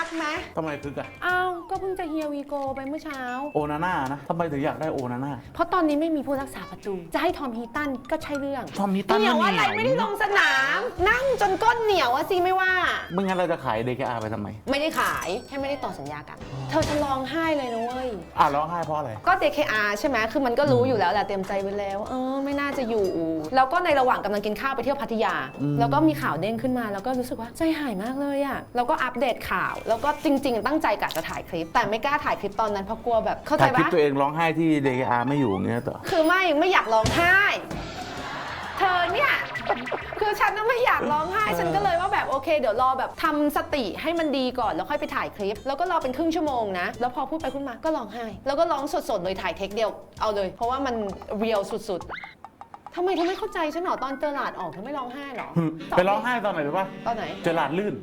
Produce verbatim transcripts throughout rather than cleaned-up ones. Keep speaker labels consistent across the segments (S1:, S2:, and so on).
S1: ไหม
S2: ทำไมคึกอะ
S1: อ้าวก็เพิ่งจะเฮียวีโกไปเมื่อเช้า
S2: โอนาน่านะทำไมถึงอยากได้โอนาน่า
S1: เพราะตอนนี้ไม่มีผู้รักษาประตูจะให้ทอมฮีตันก็ใช่เรื่อง
S2: ทอมฮีตัน
S1: เหนียวอะไรไม่ได้ลงสนามนั่งจนก้นเหนียวอะสิไม่ว่า
S2: ไม่งั้นเราจะขาย ดี เค อาร์ ไปทำไม
S1: ไม่ได้ขายแค่ไม่ได้ต่อสัญญากันเธอจะร้องไห้เลยนะเว้ย
S2: อ่ะร้องไห้เพราะอะไร
S1: ก็ ดี เค อาร์ ใช่ไหมคือมันก็รู้อยู่แล้วแหละเตรียมใจไว้แล้วเออไม่น่าจะอยู่แล้วก็ในระหว่างกำลังกินข้าวไปเที่ยวพัทยาแล้วก็มีข่าวเด้งขึ้นมาแล้วก็รู้สึกว่าใจหายมากเลยอะแล้วก็อัปเดตข่าวแล้วก็จริงๆตั้งใจกะจะถ่ายคลิปแต่ไม่กล้าถ่ายคลิปตอนนั้นเพราะกลัวแบบเข้าใจปะ
S2: ถ่ายคลิปตัวเองร้องไห้ที่ ดี เค อาร์ ไม่อยู่อย่างเงี้ยต่อ
S1: คือไม่ไม่อยากร้องไห้เธอเนี่ยคือฉันน่ะไม่อยากร้องไห้ฉันก็เลยว่าแบบโอเคเดี๋ยวรอแบบทำสติให้มันดีก่อนแล้วค่อยไปถ่ายคลิปแล้วก็รอเป็นครึ่งชั่วโมงนะแล้วพอพูดไปพูดมาก็ร้องไห้แล้วก็ร้องสดๆเลยถ่ายเทคเดียวเอาเลยเพราะว่ามันเรียลสุดๆทำไมเธอไม่เข้าใจฉันหรอตอนเจอหลาดออกเธอไม่ร้องไห้หรอ
S2: ไปร้องไห้ตอนไหนรู้ป่ะ
S1: ตอนไหน
S2: เจอหลาดลื่น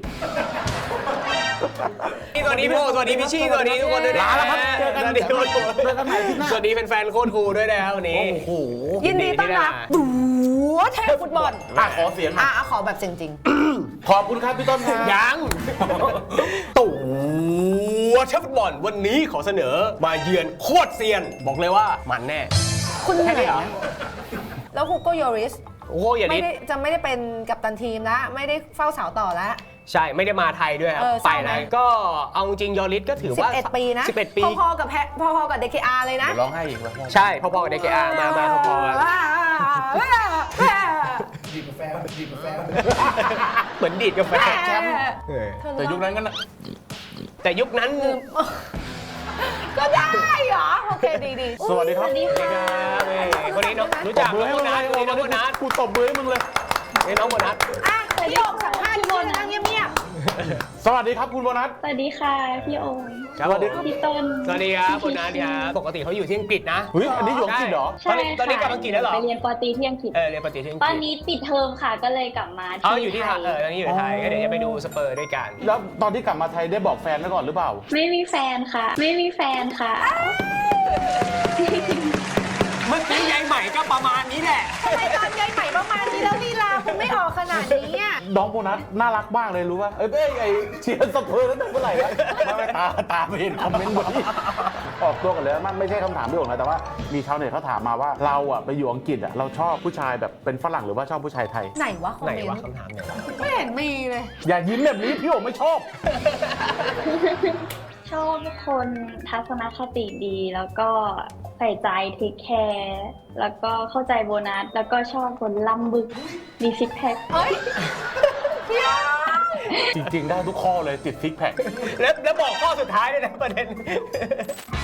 S3: สวัสดีพี่โอสวัสดีพี่ชี่สวัสดีทุกคนด้วยนะ
S2: ลาแล้วครับเจอกัน
S3: สวัสดีทุกคน
S2: เจอกันใหม่ที่หน้า
S3: สวัสดีแฟนๆโคตรคูลด้วยนะครับวันนี้
S2: โอ้โห
S1: ยินดีต้อนรับตั๋วเทพฟุตบอล
S2: อ่ะขอเสียง
S1: อ่ะขอแบบจริง
S2: ๆขอบคุณครับพี่ต้นครับ
S3: ยังตั๋วเชฟฟุตบอลวันนี้ขอเสนอมาเยือนโคตรเซียนบอกเลยว่ามันแน่
S1: คุณ
S3: แค่นี้เหรอ
S1: แล้วฮูโกโยริส
S3: โอ้โหอย่า
S1: ไม่
S3: นิด
S1: ได้จะไม่ได้เป็นกัปตันทีมแล้วไม่ได้เฝ้าเสาต่อแล้ว
S3: ใช่ไม่ได้มาไทยด้วยครับไปนะก็เอาจริงยอริสก็ถือว่า
S1: สิบเอ็ดปีนะ
S3: สิบเอ็ดปี
S1: พอๆกับแพพอๆกับ ดี เค อาร์ เลยนะ
S2: ร้องไห้อีกแล้ว
S3: ใช่พอๆกับ ดี เค อาร์ มามาพอๆกัน
S2: ดีดกาแฟดีดกาแฟ
S3: เหมือนดีดกาแฟ
S2: แชมป์แต่ยุคนั้นก็นะ
S3: แต่ยุคนั้น
S1: ก็ได้เหรอโอเคดีดี
S2: สวัสดีครับ
S3: สวัสดีครับคนนี้น้องรู้จักน้องโบนัสคนนี้น้องโบนัส
S2: กูตบมือให้มึงเลย
S3: นี่น้องโบนัส
S1: อ่ะพี่โอ่งสัมภาษณ์พี่โอ่งนั่งเงียบ
S2: ๆสวัสดีครับคุณโบนัส
S4: สวัสดีค่ะพี่โอ่ง
S3: สวัสดีครับ
S4: พี่ต้น
S3: สวัสดีครับโบนัสครับปกติเขาอยู่ที่อังกฤษนะ
S2: เฮ้ยอันนี้อยู่อังกฤษเหรอ
S4: ใช่
S3: ตอนนี้กลับอังกฤษแล้วเหรอ
S4: ไปเรียนปอตรีที่อังกฤษ
S3: เออเรียนปอตรีที่อังกฤษ
S4: ตอนนี้ปิดเทอมค่ะก็เลยกลับมา
S3: อ๋ออยู่ที่ไทยเออตอนนี้อยู่ไทยก็เดี๋ยวจะไปดูสเปอร์ด้วยกัน
S2: แล้วตอนที่กลับมาไทยได้บอกแฟนไว้ก่อนหรือเปล่า
S4: ไม่มีแฟนค่ะไม่มีแฟนค่ะ
S3: เมื่อกี้ยายใหม่ก็ประมาณนี้แหละ
S1: ทำไมตอนยายใหม่ประมาณนี้แล้วลีลาคุณไม่ออกขนาดนี้อ่ะ
S2: น้องโบนัสน่ารักมากเลยรู้ป่ะเอ้ยไอ้เชียร์สเปอร์ตั้งแต่เมื่อไหร่วะไม่ตาตาไม่เห็นคอมเมนต์บนนี้ออกตัวกันเลยมันไม่ใช่คำถามพี่โอ่งนะแต่ว่ามีชาวเน็ตเขาถามมาว่าเราอ่ะไปอยู่อังกฤษอ่ะเราชอบผู้ชายแบบเป็นฝรั่งหรือว่าชอบผู้ชายไทย
S1: ไหนวะคอม
S3: ไหน
S1: เมน
S3: วะ
S1: ต์
S3: คำถามไหนวะ
S1: ไม่เห็นมีเลย
S2: อย่ายิ้มแบบนี้พี่โอ่งไม่ชอบ
S4: ชอบคนทัศนคติดีแล้วก็ใส่ใจเทคแคร์แล้วก็เข้าใจโบนัสแล้วก็ชอบคนล่ำบึกมีซิกแพค
S1: เฮ้ย
S2: จริงๆได้ทุกข้อเลยติดซิกแพค
S3: แล้วแล้วบอกข้อสุดท้ายด้วยนะประเด็น